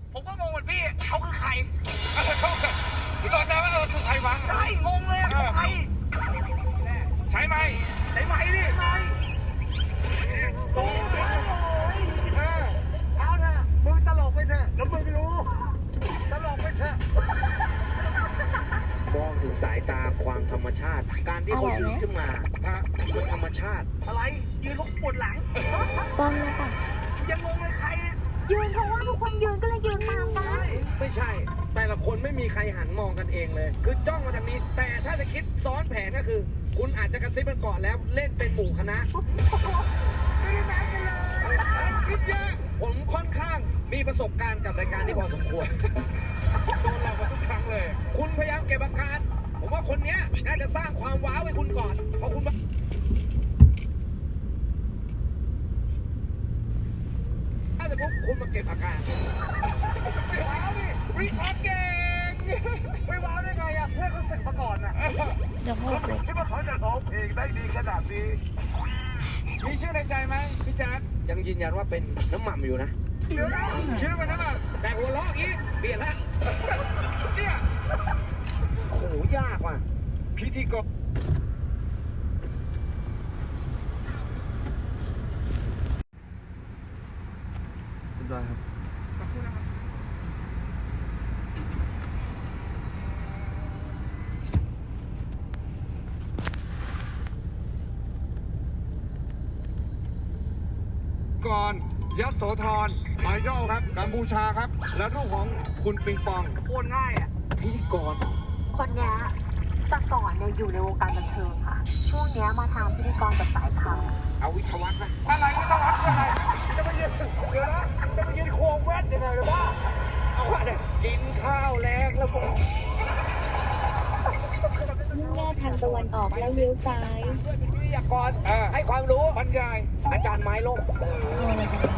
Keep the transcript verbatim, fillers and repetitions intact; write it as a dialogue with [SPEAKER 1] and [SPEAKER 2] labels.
[SPEAKER 1] ผมก็งงเหมือนพี่เขาคือใคร
[SPEAKER 2] พี่ต่อใจว่าเราคือใครวะ
[SPEAKER 1] ได้งงเลยเขาใคร
[SPEAKER 2] ใช้ไหม
[SPEAKER 1] ใช่ไหมดิใช่
[SPEAKER 2] โตไปเออ
[SPEAKER 3] เอาเถอะมึงตลกไปเถอะแล้วมึงรู้ตลกไปเถอะ
[SPEAKER 4] มองถึงสายตาความธรรมชาติ การที่เขายืนขึ้นมาฮะมันธรรมชาติ
[SPEAKER 1] อะไรยืนเขาปวดหลัง
[SPEAKER 5] ป้องเลยค่ะ
[SPEAKER 1] ยังงงเลยใคร
[SPEAKER 5] ยืนเพราะว่าทุกคนยืนก็เลยยืนตามกัน
[SPEAKER 4] ไม่ใช่ แต่ละคนไม่มีใครหันมองกันเองเลย คือจ้องมาทางนี้ แต่ถ้าจะคิดซ้อนแผนก็คือ คุณอาจจะกระซิบกันก่อนแล้วเล่นเป็นหมู่คณะ
[SPEAKER 3] ไม่ได้นัดกันเลย
[SPEAKER 4] คิดเยอะผมค่อนข้างมีประสบการณ์กับรายการนี้พอสมควร
[SPEAKER 2] โดนหลอกมาทุกครั้งเลย
[SPEAKER 4] คุณพยายามเก็บอาการ ผมว่าคนเนี้ยน่าจะสร้างความว้าวให้คุณก่อน เพราะคุณว่าถ้าจะพบคุณมาเก็บอาการ
[SPEAKER 3] ว้าวดิ
[SPEAKER 2] วิเคราะห์เก่ง
[SPEAKER 3] ไม่ว้าวได้ไงอ่ะเพื่อนเขาศึกมาก่อนอ่ะ
[SPEAKER 5] เดี๋ยวพูดเลย
[SPEAKER 3] คิดว่าเขาจะร้องเพลงได้ดีขนาดนี้
[SPEAKER 2] มีชื่อในใจไหมพี่แจ๊ด
[SPEAKER 4] ยังยืนยันว่าเป็นน้ำหม่ำอยู่นะ
[SPEAKER 2] เดี๋ยวนะชื่อมันนั่นน่ะ
[SPEAKER 4] แต่หัวเราะอย่างนี้เปลี่ยนแล้ว
[SPEAKER 2] เนี่ย
[SPEAKER 4] โอ้โหยากว่ะ
[SPEAKER 2] พิธีกร
[SPEAKER 6] ได้ครับ
[SPEAKER 2] ก่อนยโสธรไมโจ้ครับกัมพูชาครับ และรูปของคุณปิงปอง
[SPEAKER 1] โคตรง่ายอ่ะ
[SPEAKER 4] พิธีกร
[SPEAKER 5] คนเนี้ยแต่ก่อนเนี่ยอยู่ในวงการบันเทิงค่ะ ช่วงเนี้ยมาทางพิธีกรกับสายข่าว
[SPEAKER 4] เอาวิทยาวัฒน์นะ
[SPEAKER 2] อะไรไม่ต้องวัดอะไรจะมายืนเดี๋ยวนะจะมายืนควงแว่นยังไงหรือว่า
[SPEAKER 4] เอาว่าเนี่ยกินข้าวแลกแล้วผม
[SPEAKER 5] มุ่งหน้าทางตะวันออกแล้วเลี้ยวซ้าย
[SPEAKER 4] ด้วยเป็นวิทยากร
[SPEAKER 2] เออ
[SPEAKER 4] ให้ความรู้
[SPEAKER 2] บรรยาย
[SPEAKER 4] อาจารย์ไม้ล่ม